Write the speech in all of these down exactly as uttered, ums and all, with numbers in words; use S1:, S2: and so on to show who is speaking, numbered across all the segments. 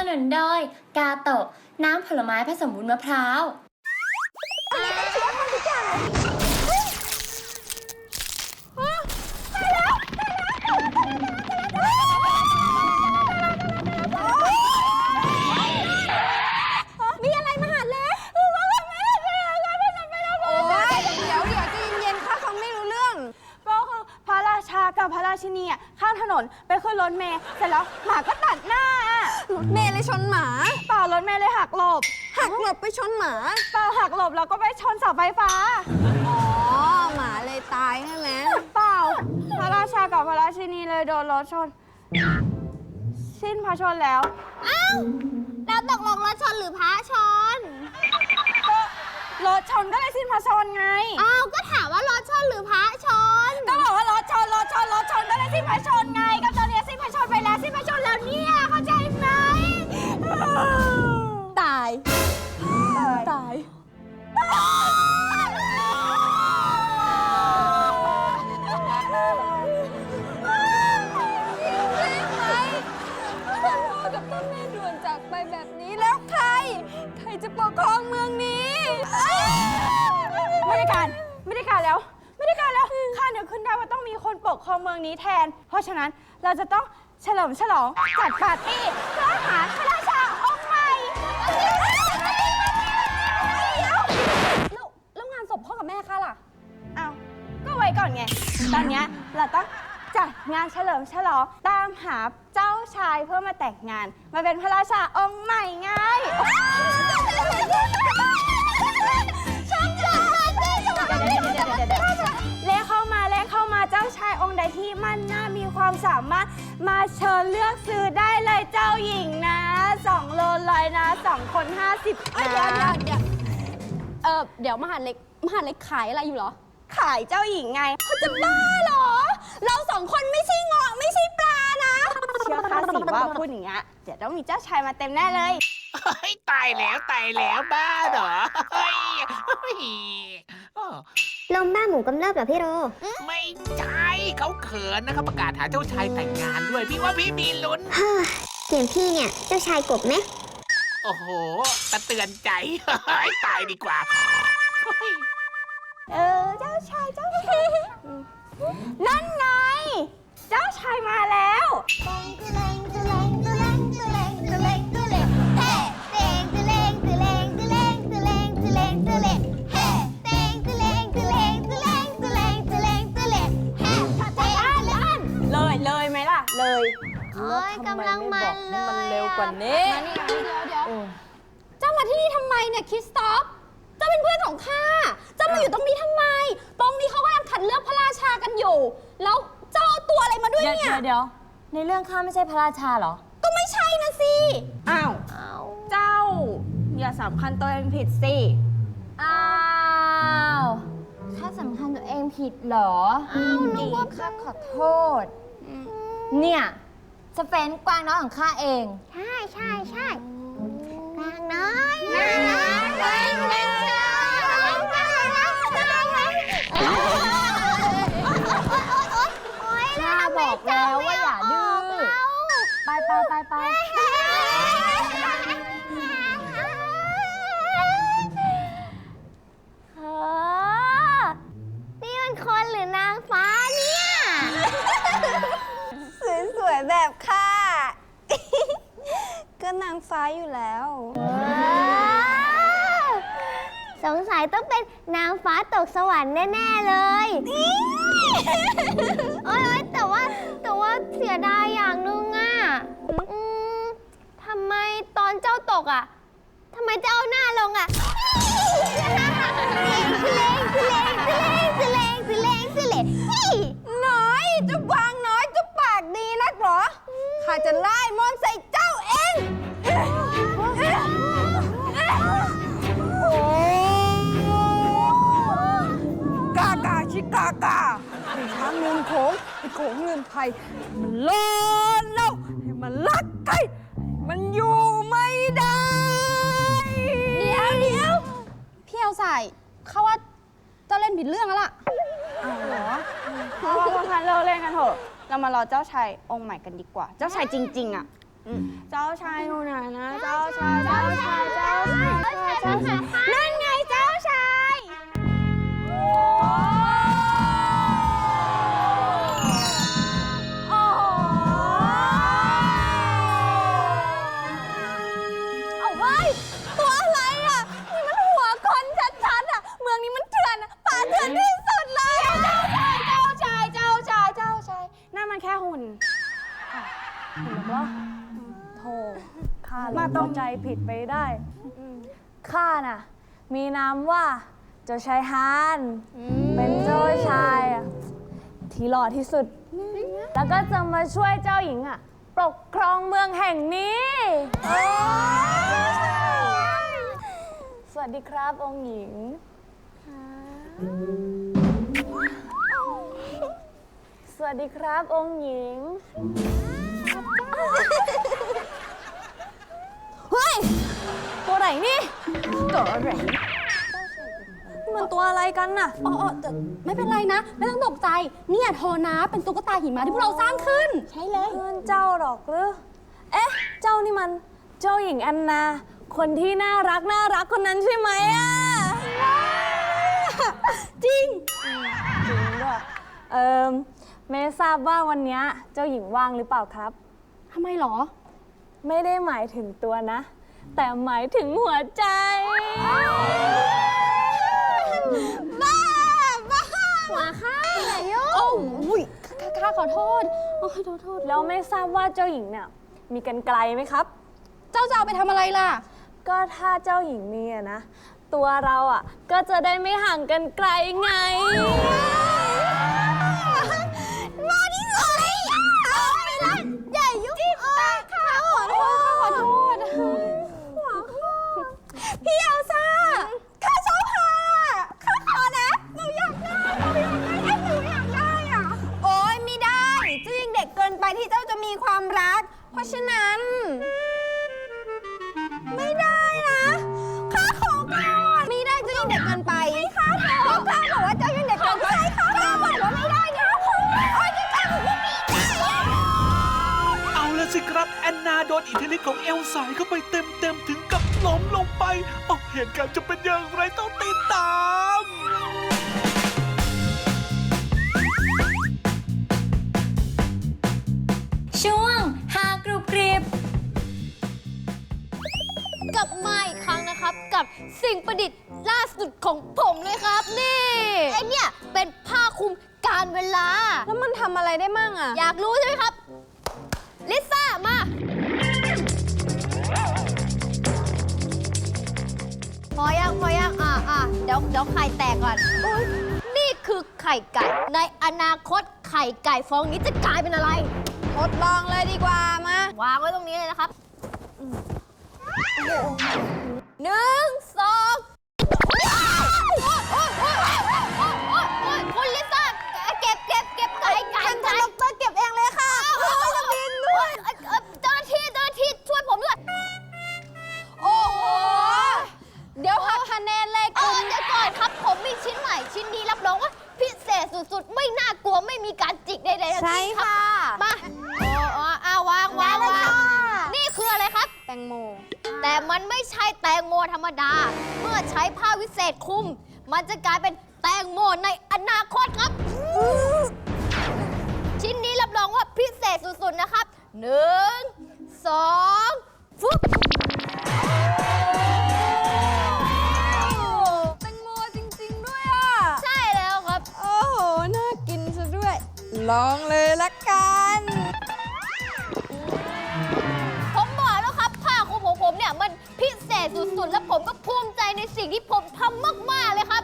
S1: นุนโดยกาโตะน้ำผลไม้ผสมวุ้นมะพร้าว
S2: มีอะไรมาหาเล็กโอ้ยเดี๋ยวเดี๋ยวใจเย็นๆค่ะฟังไม่รู้เรื่องก็คือพระราชากับพระราชินีอ่ะข้ามถนนไปขึ้นรถเมล์เสร็จแล้วหมาก็ตัดหน้ารถเมล์เลยชนหมาเปล่ารถเมล์เลยหักหลบหักหลบไปชนหมาเปล่าหักหลบแล้วก็ไปชนเสาไฟฟ้าอ๋อหมาเลยตายใช่ไหมเปล่าพระราชากับพระราชินีเลยโดนรถชนสิ้นพระชนแล้วอ้าวแล้วตกลงรถชนหรือพระชนก็รถชนก็เลยสิ้นพระชนไงอ้าวก็ถามว่ารถชนหรือพระชนก็บอกว่ารถชนรถชนรถชนก็เลยสิ้นพระชนไงก็ตอนนี้สิ้นพระชนไปแล้วสิ้นพระชนแล้วเนี่ยเข้าใจไหมตายตายไปแบบนี้แล้วใครใครจะปกครองเมืองนี้ไม่ได้การไม่ได้การแล้วไม่ได้การแล้วข้านึกขึ้นได้ว่าต้องมีคนปกครองเมืองนี้แทนเพราะฉะนั้นเราจะต้องเฉลิมฉลองจัดปาร์ตี้เพื่อหาพระราชาองค์ใหม่แล้วแล้วงานศพพ่อกับแม่ข้าล่ะอ้าวก็ไว้ก่อนไงตอนนี้เราต้องจัดงานเฉลิมฉลองตามหาเจ้าชายเพื่อมาแต่งงานมาเป็นพระราชาองค์ใหม่ไงเล่เข้ามาเล่เข้ามาเจ้าชายองค์ใดที่มั่นหน้ามีความสามารถมาเชิญเลือกซื้อได้เลยเจ้าหญิงนะสองโลลอยนะสองคนห้าสิบนะเดี๋ยวเดี๋ยวเดี๋ยวเออเดี๋ยวมหาเล็กมหาเล็กขายอะไรอยู่เหรอขายเจ้าหญิงไงเขาจะบ้าเหรอเราสองคนไม่ใช่เงาะไม่ใช่ปลานะเชื่อข้าสิว่าพูดอย่างเงี้ยเดี๋ยวต้องมีเจ้าชายมาเต็มแน่เลย
S3: เฮ้ยตายแล้วตายแล้วบ้าเหรอเฮ้ย
S4: ลมบ้าหมูกำเริบเหรอพี่โร
S3: ไม่ใช่เขาเขินนะครับประกาศหาเจ้าชายแต่งงานด้วยพี่ว่าพี่มีลุ้น
S4: เสียงพี่เนี่ยเจ้าชายกบไหม
S3: โอ้โหตะเตือนใจตายดีกว่า
S2: เออเจ้าชายเจ้าชายนั่นไงเจ้าชายมาแล้วเลยเลยไหมล่ะเลย
S4: เฮ้ยกำลังมันเลย
S2: มันเร็วกว่านี้เดี๋ยวเดี๋ยวเดี๋ยวเจ้ามาที่นี่ทำไมเนี่ยคริสตอฟเจ้าเป็นเพื่อนของข้าเจ้ามาอยู่ตรงนี้ทำไมตรงนี้เขากำลังคัดเลือกพระราชากันอยู่แล้วเจ้าเอาตัวอะไรมาด้วยเนี่ย
S1: เดี๋ยวในเรื่องข้าไม่ใช่พระราชาเหรอ
S2: ก็ไม่ใช่นะสิอ้าวเจ้าอย่าสำคัญตัวเองผิดสิ
S1: อ้าวข้าสำคัญตัวเองผิดเหรอ
S2: อ้าวนึกว่า
S1: ข้าขอโทษเนี่ยสเฟนกวางน้อยของข้าเอง
S4: ใช่ใช่ใช่กวางน้อยน่ารักเลย
S1: ข้าบอกแล้วว่าอย่าดื้อไปไปไปไป
S4: เฮ้อนี่มันคนหรือนางฟ้าเนี่ย
S2: สวยๆแบบข้าก็นางฟ้าอยู่แล้ว
S4: สงสัยต้องเป็นนางฟ้าตกสวรรค์แน่ๆเลยโอ๊ยแต่ว่าแต่ว่าเสียดายอย่างนึงอ่ะทำไมตอนเจ้าตกอ่ะทำไมเจ้าหน้าลงอ่ะสิเลงสิเลงสิเลงสิเลงสิเลงสิเลง
S2: น้อยจะวางน้อยจะปากดีนักเหรอข้าจะไล่มนต์ใส่เจ้าเองกากาชิกากาไอ้ช้างเงินโขงไอ้โขงเงินไทยมันล้นแล้วให้มันลักไก่มันอยู่ไม่ได้เดี๋ยวเดี๋ยวพี่เอาใส่เขาว่าเจ้าเล่นผิดเรื่องแล้วล่ะอ้าวเหรอเพราะว่าพวกท่านเลิกเล่นกันเถอะเรามารอเจ้าชายองค์ใหม่กันดีกว่าเจ้าชายจริงๆอ่ะเจ้าชายอยู่ไหนนะเจ้าชายเจ้าชายเจ้าชายเจ้าชายนั่นไงเจ้าชายโอ้โหเอาเฮ้ยตัวอะไรอ่ะนี่มันหัวคนชัดๆอ่ะเมืองนี้มันเถื่อนป่าเถื่อนที่สุดเลยเจ้าชายเจ้าชายเจ้าชายเจ้าชายนั่นมันแค่หุ่น
S5: เห็นว่าโธ่ข้ามาต้องใจผิดไปได้ข้าน่ะ มีนามว่าเจ้าชายฮานเป็นเจ้าชายอะที่หล่อที่สุด แล้วก็จะมาช่วยเจ้าหญิงอ่ะปกครองเมืองแห่งนี้สวัสดีครับองค์หญิงสวัสดีครับองค์หญิงเฮ้ยตัวไหนนี่ตัวอะไรมันตัวอะไรกันน่ะ
S2: อ๋อแต่ไม่เป็นไรนะ ไม่ต้องตกใจ เนี่ยโทนะเป็นตุ๊กตาหิมะที่พวกเราสร้างขึ้น ใช่เลย
S5: เพื่อนเจ้าหรอกหรือเอ๊ะเจ้านี่มันเจ้าหญิงแอนนา คนที่น่ารักน่ารักคนนั้นใช่ไหมอ่ะ
S2: จริง
S5: จริงด้วยเอิมไม่ทราบว่าวันนี้เจ้าหญิงว่างหรือเปล่าครับ
S2: ทำไมหรอ
S5: ไม่ได้หมายถึงตัวนะ แต่หมายถึงหัวใจ
S2: บ้า บ้า หัวข้าอย่ายุ่งโอ้ยข้าขอโทษโอ้ขอโทษ
S5: แล้วไม่ทราบว่าเจ้าหญิงเนี่ยมีกรรไกรไหมครับ
S2: เจ้าจะเอาไปทำอะไรล่ะ
S5: ก็ถ้าเจ้าหญิงมีอะนะ ตัวเราอ่ะก็จะได้ไม่ห่างกันไกลไง
S2: มาดิเลยเอาไปละอย่ายุ่งตาข้าขอโทษข้าขอโทษหัวข้าพี่เอลซ่าข้าชอบพาข้าขอนะหนูอยากได้หนูอยากได้ไอ้หนูอยากได้อ่ะโอ๊ยไม่ได้เจ้ายังเด็กเกินไปที่เจ้าจะมีความรักเพราะฉะนั้นไม่ได้นะข้าขอก่อนไม่ได้เจ้ายังเด็กเกินไปข้าขอก็ข้าบอกว่าเจ้ายังเด็กเกินไปข้าบอกว่าไม่ได้นะโอ๊ยจะทำไม่ได้
S3: เอาละสิครับแอนนาโดนอิทธิฤทธิ์ของเอลซ่าเข้าไปเต็มๆถึงกับล้มลงไปออกเหตุการณ์จะเป็นอย่างไรต้องติดตาม
S1: ช่วงหากรุบกริบกลับมาอีกครั้งนะครับกับสิ่งประดิษฐ์ล่าสุดของผมเลยครับ นี่ไอเนี่ยเป็นผ้าคลุมการเวลา
S2: แล้วมันทำอะไรได้มั่งอ่ะ
S1: อยากรู้ใช่ไหมครับ ลิซ่ามาพอยังพอยังอ่ะอ่ะเดี๋ยวเดี๋ยวไข่แตกก่อนอุ๊ยนี่คือไข่ไก่ในอนาคตไข่ไก่ฟองนี้จะกลายเป็นอะไร
S2: ทดลองเลยดีกว่ามา
S1: วางไว้ตรงนี้เลยนะครับหนึ่งสองคุณลิซ่าเก็บเก็บเก็บไก่ไก่
S2: ฉันจะ
S1: ไก่
S2: ลงตัวเก็บเองเลยค่ะจะบินด้วย
S1: เจ้าหน้าที่เจ้าหน้าที่ช่วยผมด้วย
S2: โอ้โห เดี๋ยวหักคะแนนเลย
S1: เอ
S2: คุ
S1: อ
S2: ณ
S1: เดี๋ยวก่อนครับ ผมมีชิ้นใหม่ชิ้นนี้รับรองว่าพิเศษสุดๆ ไม่น่ากลัวไม่มีการจิกใดๆทั้ง
S2: ใช่
S1: สิ้นครับ
S2: ค่ะ
S1: มาโอ้โอ้อ้าววางวางวางนี่คืออะไรครับ
S2: แตงโม
S1: แต่มันไม่ใช่แตงโมธรรมดา เมื่อใช้ผ้าวิเศษคลุม มันจะกลายเป็นแตงโมในอนาคตครับ ชิ้นนี้รับรองว่าพิเศษสุดๆนะครับหนึ่งสองฟุ๊บ
S2: แตงโมจริงๆด้วยอ่ะ
S1: ใช่แล้วครับ
S2: โอ้โห น่ากินซะด้วย ลองเลยละกัน
S1: ผมบอกแล้วครับผ้าคลุมของผมเนี่ยมันพิเศษสุดๆ และผมก็ภูมิใจในสิ่งที่ผมทำมากๆเลยครับ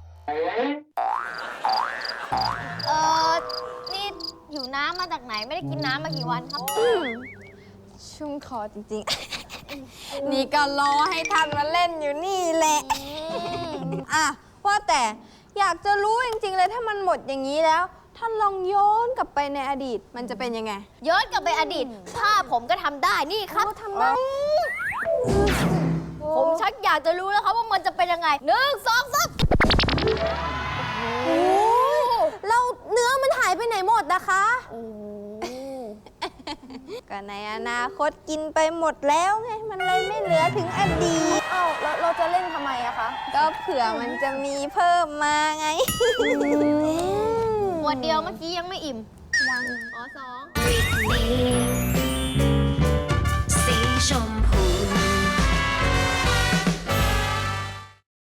S1: เออนี่อยู่น้ำมาจากไหนไม่ได้กินน้ำมากี่วันครับ
S2: ชุ่มคอจริงๆ นี่ก็รอให้ท่านมาเล่นอยู่นี่แหละ อ่ะ ว่าแต่อยากจะรู้จริงๆเลยถ้ามันหมดอย่างนี้แล้ว ท่านลองย้อนกลับไปในอดีตมันจะเป็นยังไง
S1: ย้อนกลับไปอดีตผ้าผมก็ทำได้นี่ครับ
S2: ทำได้
S1: ผมชักอยากจะรู้แล้วครับว่ามันจะเป็นยังไงหนึ่งสองสาม
S2: เราเนื้อมันหายไปไหนหมดนะคะก็ในอนาคตกินไปหมดแล้วไง มันเลยไม่เหลือถึงอดีต
S5: เอ้าแล้วเราจะเล่นทำไมอะคะ
S2: ก็เผื่อมันจะมีเพิ่มมาไง
S1: ขวดเดียวเมื่อกี้ยังไม่อิ่ม
S2: ยัง
S1: อ๋อสอง